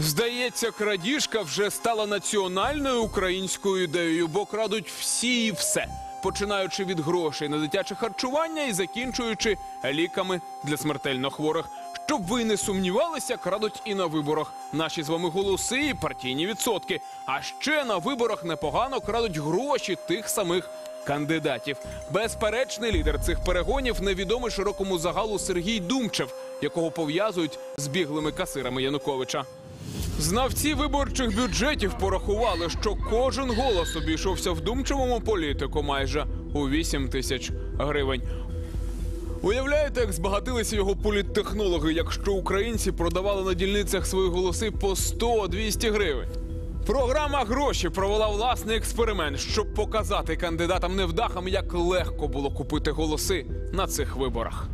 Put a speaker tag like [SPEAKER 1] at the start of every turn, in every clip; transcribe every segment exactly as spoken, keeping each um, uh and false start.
[SPEAKER 1] Здається, крадіжка вже стала національною українською ідеєю, бо крадуть всі і все. Починаючи від грошей на дитяче харчування і закінчуючи ліками для смертельно хворих. Щоб ви не сумнівалися, крадуть і на виборах. Наші з вами голоси і партійні відсотки. А ще на виборах непогано крадуть гроші тих самих кандидатів. Безперечний лідер цих перегонів – невідомий широкому загалу Сергій Думчев, якого пов'язують з біглими касирами Януковича. Знавці виборчих бюджетів порахували, що кожен голос обійшовся в Думчевому політику майже у вісім тисяч гривень. Уявляєте, як збагатилися його політтехнологи, якщо українці продавали на дільницях свої голоси по сто - двісті гривень? Програма «Гроші» провела власний експеримент, щоб показати кандидатам-невдахам, як легко було купити голоси на цих виборах.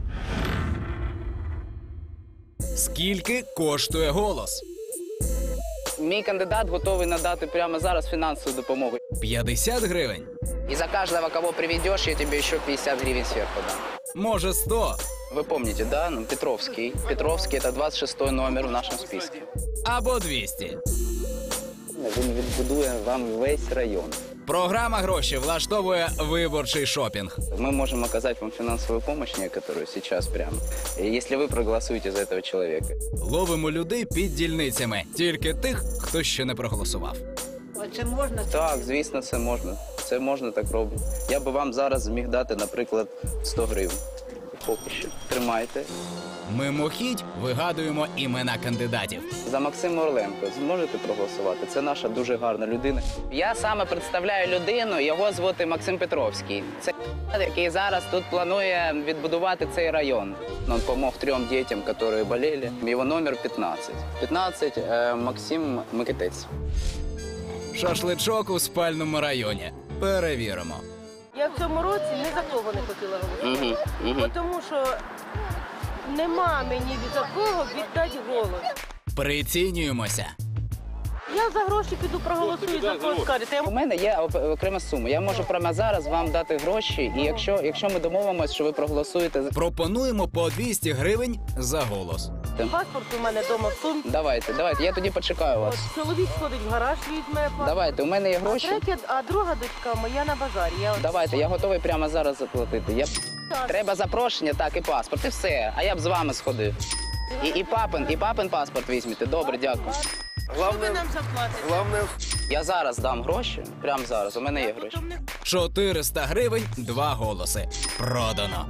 [SPEAKER 2] Скільки коштує голос?
[SPEAKER 3] Мій кандидат готовий надати прямо зараз фінансову допомогу.
[SPEAKER 2] п'ятдесят гривень?
[SPEAKER 3] И за каждого, кого приведешь, я тебе еще пятьдесят гривен сверху дам.
[SPEAKER 2] Може, сто?
[SPEAKER 3] Вы помните, да? Ну, Петровский. Петровский – это двадцять шестой номер в нашем списке.
[SPEAKER 2] Або двісті?
[SPEAKER 3] Він відбудує вам весь район.
[SPEAKER 2] Програма «Гроші» влаштовує виборчий шопінг.
[SPEAKER 3] Мы можем оказать вам финансовую помощь некоторую сейчас прямо, если вы проголосуете за этого человека.
[SPEAKER 2] Ловимо людей під дільницями. Тільки тих, хто ще не проголосував.
[SPEAKER 4] А це можна?
[SPEAKER 3] Так, звісно, це можна. Це можна так робити. Я би вам зараз зміг дати, наприклад, сто гривень. Поки що. Тримайте.
[SPEAKER 2] Мимохідь вигадуємо імена кандидатів.
[SPEAKER 3] За Максима Орленко зможете проголосувати? Це наша дуже гарна людина. Я саме представляю людину, його звати Максим Петровський. Це який зараз тут планує відбудувати цей район. Він допомог трьом дітям, які боліли. Його номер п'ятнадцять. п'ятнадцять е, Максим Микитець.
[SPEAKER 2] Шашличок у спальному районі. Перевіримо.
[SPEAKER 4] Я в цьому році ні за кого не хотіла голосувати.
[SPEAKER 3] Угу, угу.
[SPEAKER 4] Тому що нема мені ні за кого віддати голос.
[SPEAKER 2] Прицінюємося.
[SPEAKER 4] Я за гроші піду проголосую, за кого скажете.
[SPEAKER 3] У мене є окрема сума. Я можу прямо зараз вам дати гроші, і якщо, якщо ми домовимося, що ви проголосуєте...
[SPEAKER 2] Пропонуємо по двісті гривень за голос.
[SPEAKER 4] Паспорт у мене вдома в сумці.
[SPEAKER 3] Давайте, давайте, я тоді почекаю вас.
[SPEAKER 4] От чоловік сходить в гараж, візьме паспорт.
[SPEAKER 3] Давайте, у мене є
[SPEAKER 4] А,
[SPEAKER 3] гроші.
[SPEAKER 4] третя, а друга дочка моя на базарі. Я от...
[SPEAKER 3] Давайте, я готовий прямо зараз заплатити. Я... Треба запрошення, так, і паспорт, і все. А я б з вами сходив. І, і папин, і папин паспорт візьмете. Добре, дякую.
[SPEAKER 4] Що ви нам заплатите?
[SPEAKER 3] Я зараз дам гроші, прямо зараз, у мене є гроші.
[SPEAKER 4] Потім не-
[SPEAKER 2] чотириста гривень, два голоси. Продано.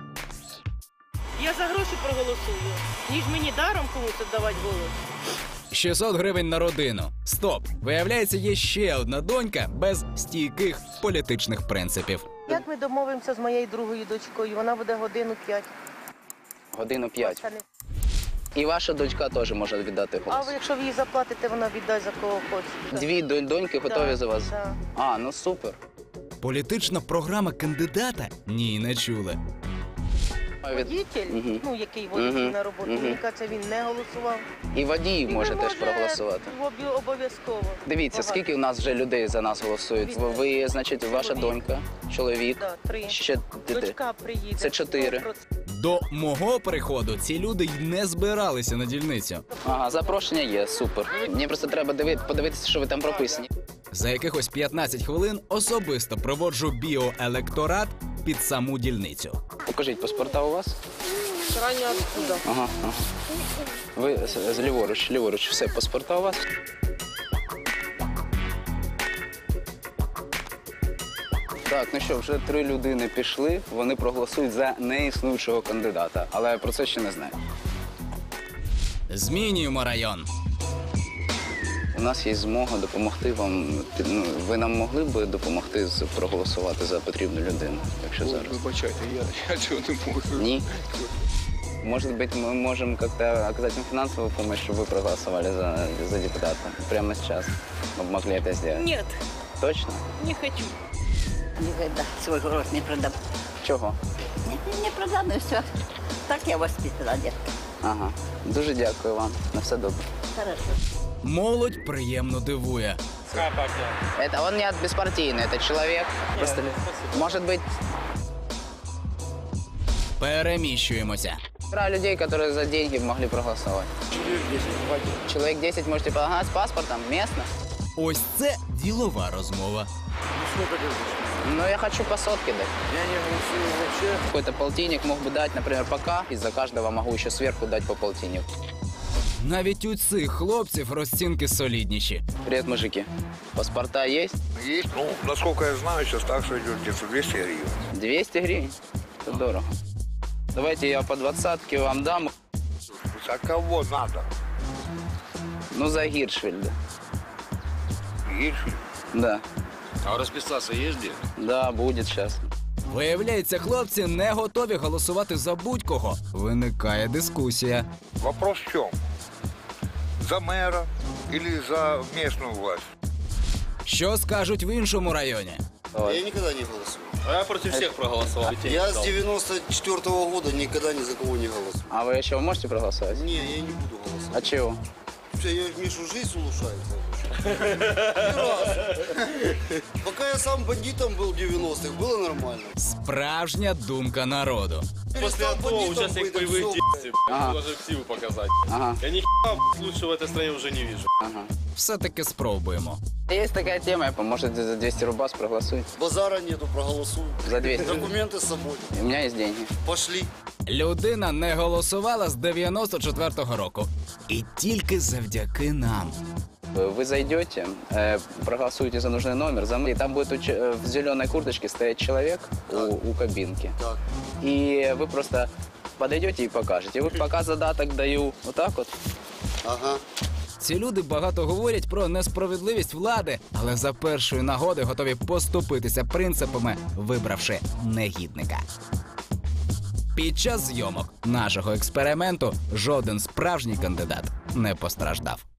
[SPEAKER 4] Я за гроші проголосую, ніж мені даром комусь віддавати голос.
[SPEAKER 2] шістсот гривень на родину. Стоп. Виявляється, є ще одна донька без стійких політичних принципів.
[SPEAKER 4] Як ми домовимося з моєю другою дочкою? Вона буде годину п'ять.
[SPEAKER 3] Годину п'ять.
[SPEAKER 4] Це не-
[SPEAKER 3] І ваша дочка теж може віддати
[SPEAKER 4] А
[SPEAKER 3] голос.
[SPEAKER 4] ви, якщо ви їй заплатите, вона віддасть за кого хоче.
[SPEAKER 3] Дві донь- доньки готові
[SPEAKER 4] Да,
[SPEAKER 3] за вас?
[SPEAKER 4] да.
[SPEAKER 3] А, ну супер.
[SPEAKER 2] Політична програма кандидата? Ні, не чули.
[SPEAKER 3] Від-
[SPEAKER 4] Водитель,
[SPEAKER 3] Мгм.
[SPEAKER 4] ну який водить
[SPEAKER 3] Мгм.
[SPEAKER 4] на роботу,
[SPEAKER 3] Мгм.
[SPEAKER 4] мені кажеться, він не голосував.
[SPEAKER 3] І водій може
[SPEAKER 4] Він
[SPEAKER 3] теж
[SPEAKER 4] може
[SPEAKER 3] проголосувати.
[SPEAKER 4] обі- Обов'язково.
[SPEAKER 3] Дивіться,
[SPEAKER 4] Багато.
[SPEAKER 3] скільки у нас вже людей за нас голосують. Ви, ви, значить, ваша
[SPEAKER 4] Чоловік.
[SPEAKER 3] донька, чоловік,
[SPEAKER 4] Да, три.
[SPEAKER 3] ще діти.
[SPEAKER 4] Дочка приїде.
[SPEAKER 3] Це чотири.
[SPEAKER 4] сто відсотків.
[SPEAKER 2] До мого приходу ці люди й не збиралися на дільницю.
[SPEAKER 3] Ага, запрошення є, супер. Мені просто треба диви- подивитися, що ви там прописані.
[SPEAKER 2] За якихось п'ятнадцять хвилин особисто проводжу біоелекторат під саму дільницю.
[SPEAKER 3] Покажіть, паспорта у вас?
[SPEAKER 4] Раннього откуда?
[SPEAKER 3] Ага, ага. Ви з- з ліворуч, ліворуч, все, паспорта у вас? Так, ну що, вже три людини пішли, вони проголосують за неіснуючого кандидата, але я про це ще не знаю.
[SPEAKER 2] Змінюємо район.
[SPEAKER 3] У нас є змога допомогти вам. під- Ну, ви нам могли б допомогти з- проголосувати за потрібну людину, якщо зараз?
[SPEAKER 1] Вибачайте, я, я цього не можу.
[SPEAKER 3] Ні? Может быть, мы можем как-то оказать вам финансовую помощь, чтобы вы проголосовали за, за депутата прямо сейчас. Мы бы могли это сделать.
[SPEAKER 4] Нет,
[SPEAKER 3] Точно?
[SPEAKER 4] не хочу.
[SPEAKER 5] Никогда свой город не продам.
[SPEAKER 3] Чого?
[SPEAKER 5] Не, не продам, и все. Так я воспитала, детка.
[SPEAKER 3] Ага. Дуже дякую вам. На все добре.
[SPEAKER 5] Хорошо.
[SPEAKER 2] Молодь приємно дивує.
[SPEAKER 3] Это он не от беспартийный, это человек. Просто, может быть,
[SPEAKER 2] Переміщуємося.
[SPEAKER 3] Про людей, которые за деньги могли проголосовать. Человек десять можете помогать с паспортом, местно.
[SPEAKER 2] Ось це ділова розмова.
[SPEAKER 3] Но я хочу по сотке дать. Я не голосую вообще. Какой-то полтинник мог бы дать, например, пока. И за каждого могу еще сверху дать по полтиннику.
[SPEAKER 2] Навіть у цих хлопців розцінки солідніші.
[SPEAKER 3] Привет, мужики. Паспорта есть?
[SPEAKER 6] Есть. Ну, насколько я знаю, сейчас такса идет где-то двести гривен.
[SPEAKER 3] двести гривен? Это дорого. Давайте я по двадцатке вам дам.
[SPEAKER 6] За кого надо?
[SPEAKER 3] Ну, за Гиршфельда.
[SPEAKER 6] Есть.
[SPEAKER 3] Да.
[SPEAKER 7] А расписаться есть где?
[SPEAKER 3] Да, будет сейчас.
[SPEAKER 2] Виявляється, хлопці не готові голосувати за будь-кого. Виникає дискусія.
[SPEAKER 6] Вопрос в чем? За мэра или за местную власть?
[SPEAKER 2] Що скажуть в іншому районі?
[SPEAKER 3] Вот.
[SPEAKER 8] Я никогда не голосую.
[SPEAKER 7] А я против всех проголосовал.
[SPEAKER 8] Я с девяносто четвёртого года никогда ни за кого не голосую.
[SPEAKER 3] А вы еще можете проголосовать?
[SPEAKER 8] Не, я не буду голосовать.
[SPEAKER 3] А чего?
[SPEAKER 8] Все, я Мишу жизнь улучшаю. Ни разу. Пока я сам бандитом был в девяностых, было нормально.
[SPEAKER 2] Справжня думка народу.
[SPEAKER 7] После
[SPEAKER 8] Перестал
[SPEAKER 7] этого
[SPEAKER 8] бандитом
[SPEAKER 7] участник
[SPEAKER 8] быть, так
[SPEAKER 7] боевых
[SPEAKER 8] всё,
[SPEAKER 7] действий.
[SPEAKER 3] Ага.
[SPEAKER 7] Даже ксиву показать.
[SPEAKER 3] Ага,
[SPEAKER 7] Я ни хера лучше в этой стране уже не вижу.
[SPEAKER 3] ага.
[SPEAKER 2] Все-таки спробуємо.
[SPEAKER 3] Есть такая тема, можете за двести рубас проголосуйте.
[SPEAKER 8] Базара нету, проголосую.
[SPEAKER 3] За двести.
[SPEAKER 8] Документы с собой.
[SPEAKER 3] У меня есть деньги.
[SPEAKER 8] Пошли.
[SPEAKER 2] Людина не голосувала з дев'яносто четвертого року. І тільки завдяки нам.
[SPEAKER 3] Вы зайдете, э, проголосуете за нужный номер, за... и там будет у че- в зеленой курточке стоять человек у, у кабинки.
[SPEAKER 8] Так.
[SPEAKER 3] И вы просто подойдете и покажете. Вот пока задаток даю вот так вот.
[SPEAKER 8] Ага.
[SPEAKER 2] Ці люди багато говорять про несправедливість влади, але за першої нагоди готові поступитися принципами, вибравши негідника. Під час зйомок нашого експерименту жоден справжній кандидат не постраждав.